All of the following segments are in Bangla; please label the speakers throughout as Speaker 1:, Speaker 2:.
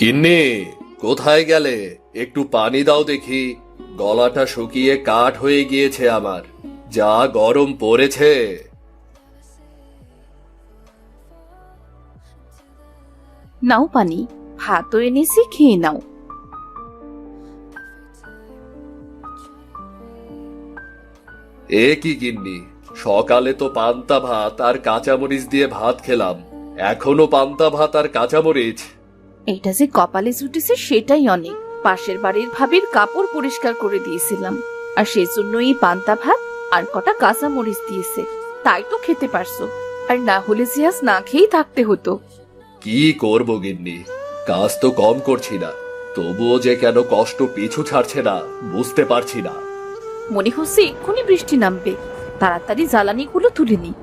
Speaker 1: গিন্নি, কোথায় গেলে? একটু পানি দাও দেখি। গলাটা শুকিয়ে কাঠ হয়ে গিয়েছে আমার, যা গরম পড়েছে।
Speaker 2: নাও পানি, ভাতও এনেছি, খেয়ে নাও।
Speaker 1: এ কি গিন্নি, সকালে তো পান্তা ভাত আর কাঁচামরিচ দিয়ে ভাত খেলাম, এখনো পান্তা ভাত আর কাঁচামরিচ?
Speaker 2: এটা যে কপালে জুটেছে সেটাই অনেক। পাশের বাড়ির ভাবির কাপড় পরিষ্কার করে দিয়েছিলাম, আর সেজন্য এই পান্তা ভাত আর কটা কাঁচা মরিচ দিয়েছে, তাই তো খেতে পারছো। আর না হলে যে আজ না খেয়েই থাকতে হতো।
Speaker 1: কি করব গিন্নি, কাজ তো কম করছি না, তবুও যে কেন কষ্ট পিছু ছাড়ছে না বুঝতে পারছি না।
Speaker 2: মনে হচ্ছে এক্ষুনি বৃষ্টি নামবে, তাড়াতাড়ি জ্বালানিগুলো তুলে নি।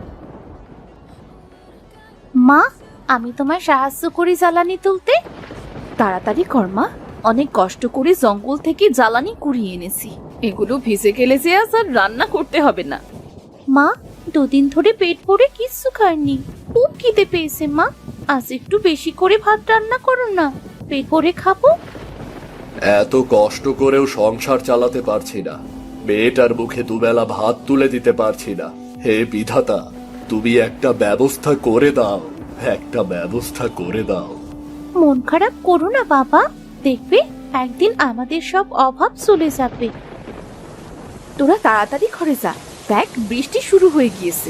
Speaker 2: মা, আমি তোমায় সাহায্য করি জ্বালানি তুলতে। তাড়াতাড়ি কর মা, অনেক কষ্ট করে জঙ্গল থেকে জ্বালানি কুড়িয়ে এনেছি, এগুলো ভিজে গেলে যে আজ আর রান্না করতে হবে না। মা, দুদিন ধরে পেট ভরে কিচ্ছু খাইনি, খুব খিদে পেয়েছে মা। আজ একটু বেশি করে ভাত রান্না করো না, পেট ভরে খাবো।
Speaker 1: এত কষ্ট করেও সংসার চালাতে পারছি না, মেয়েটার মুখে দুবেলা ভাত তুলে দিতে পারছি না। হে বিধাতা, তুমি একটা ব্যবস্থা করে দাও, একটা ব্যবস্থা করে দাও।
Speaker 2: মন খারাপ করো না বাবা, দেখবে একদিন আমাদের সব অভাব চলে যাবে। তোরা তাড়াতাড়ি ঘরে যা, দেখ বৃষ্টি শুরু হয়ে গিয়েছে।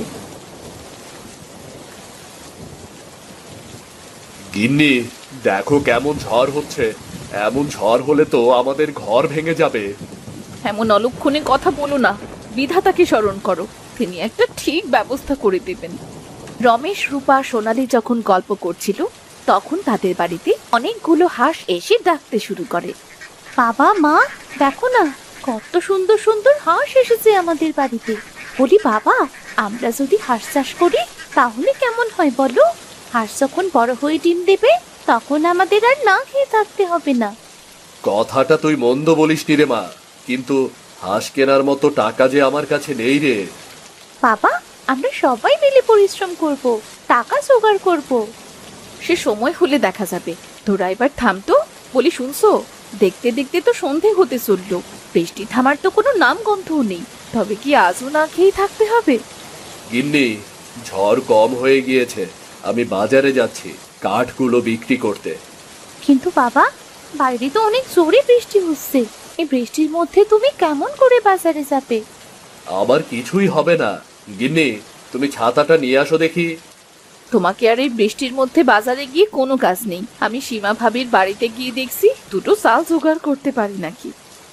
Speaker 1: গিন্নি, দেখো কেমন ঝড় হচ্ছে, এমন ঝড় হলে তো আমাদের ঘর ভেঙে যাবে।
Speaker 2: এমন অলক্ষণে কথা বলো না, বিধাতাকে স্মরণ করো, তিনি একটা ঠিক ব্যবস্থা করে দেবেন। রমেশ, রূপা, সোনালি যখন গল্প করছিল, তখন তাদের বাড়িতে অনেকগুলো হাঁস এসে ডাকতে শুরু করে। বাবা মা, দেখো না কত সুন্দর সুন্দর হাঁস এসেছে আমাদের বাড়িতে। বলি বাবা, আমরা যদি হাঁস চাষ করি তাহলে কেমন হয় বলো? হাঁস যখন বড় হয়ে ডিম দেবে তখন আমাদের আর না খেয়ে থাকতে হবে না।
Speaker 1: কথাটা তুই মন্দ বলিসনি রে মা, কিন্তু হাঁস কেনার মতো টাকা যে আমার কাছে নেই রে।
Speaker 2: বাবা, আমরা সবাই মিলে পরিশ্রম করব, টাকা জোগাড় করব। সে সময় হলে দেখা যাবে, তোরা এবার থামতো। বলি শুনছো, দেখতে দেখতে তো সন্ধে হতে চললো, বৃষ্টি থামার তো কোনো নাম গন্ধও নেই। তবে কি আজও না খেয়ে থাকতে হবে?
Speaker 1: গিন্নি, ঝড় কম হয়ে গিয়েছে, আমি বাজারে যাচ্ছি কাঠগুলো বিক্রি করতে।
Speaker 2: কিন্তু বাবা, বাইরে তো অনেক জোরে বৃষ্টি হচ্ছে, এই বৃষ্টির মধ্যে তুমি কেমন করে বাজারে যাবে?
Speaker 1: আবার কিছুই হবে না। গিন্নি, তুমি ছাতাটা নিয়ে আসো দেখি।
Speaker 2: তোমাকে আর এই বৃষ্টির মধ্যে বাজারে গিয়ে কোনো কাজ নেই। আমি সীমা ভাবির বাড়িতে গিয়ে দেখছি দুটো চাল জোগাড় করতে পারি নাকি।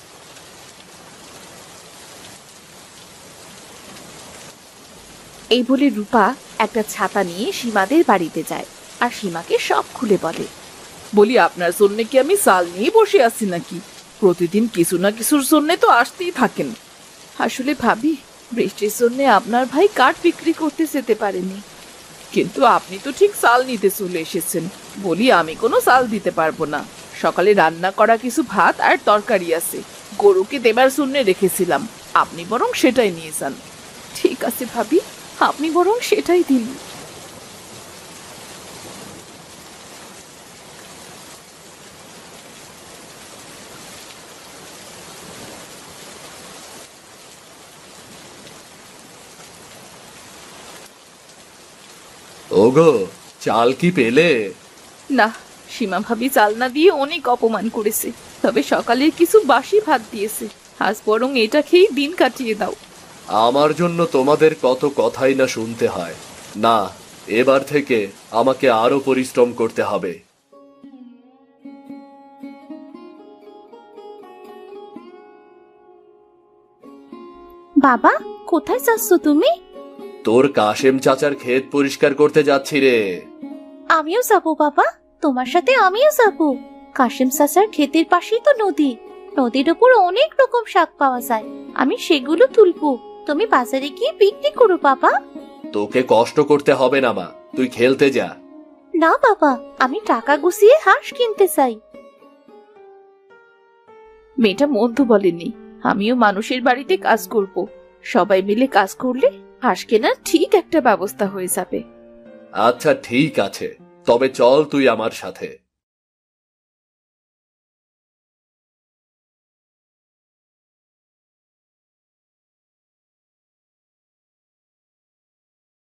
Speaker 2: এই বলে রূপা একটা ছাতা নিয়ে সীমাদের বাড়িতে যায়, আর সীমাকে সব খুলে বলে। বলি আপনার জন্য কি আমি চাল নিয়ে বসে আছি নাকি? প্রতিদিন কিছু না কিছুর জন্য তো আসতেই থাকেন। আসলে ভাবি, বৃষ্টির জন্য আপনার ভাই কাঠ বিক্রি করতে যেতে পারেনি। কিন্তু আপনি তো ঠিক চাল নিতে চলে এসেছেন। বলি আমি কোনো চাল দিতে পারবো না, সকালে রান্না করা কিছু ভাত আর তরকারি আছে, গরুকে দেবার জন্য রেখেছিলাম, আপনি বরং সেটাই নিয়ে যান। ঠিক আছে ভাবি, আপনি বরং সেটাই দিন।
Speaker 1: ওগো, চাল কি পেলে?
Speaker 2: না, সীমা ভাবি চাল না দিয়ে অনেক অপমান করেছে, তবে সকালের কিছু বাসি ভাত দিয়েছে, আজ বরং এটা খেয়েই দিন কাটিয়ে দাও।
Speaker 1: আমার জন্য তোমাদের কত কথাই না শুনতে হয়। না, এবার থেকে আমাকে আরো পরিশ্রম করতে হবে।
Speaker 2: বাবা, কোথায় যাচ্ছ তুমি?
Speaker 1: তোর কাশেম চাচার ক্ষেত পরিষ্কার করতে যাচ্ছি রে।
Speaker 2: আমিও যাব বাবা, তোমার সাথে আমিও যাব। কাশিম চাচার ক্ষেতের পাশেই তো নদী, নদীর উপর অনেক রকম শাক পাওয়া যায়, আমি সেগুলো তুলবো, তুমি বাজারে গিয়ে বিক্রি করো বাবা।
Speaker 1: তোকে কষ্ট করতে হবে না মা, তুই খেলতে যা।
Speaker 2: না বাবা, আমি টাকা গুছিয়ে হাঁস কিনতে চাই। মেয়েটা মধ্য বলেনি, আমিও মানুষের বাড়িতে কাজ করব, সবাই মিলে কাজ করলে হাঁস কেনার ঠিক একটা ব্যবস্থা হয়ে যাবে।
Speaker 1: আচ্ছা ঠিক আছে, তবে চল তুই আমার সাথে।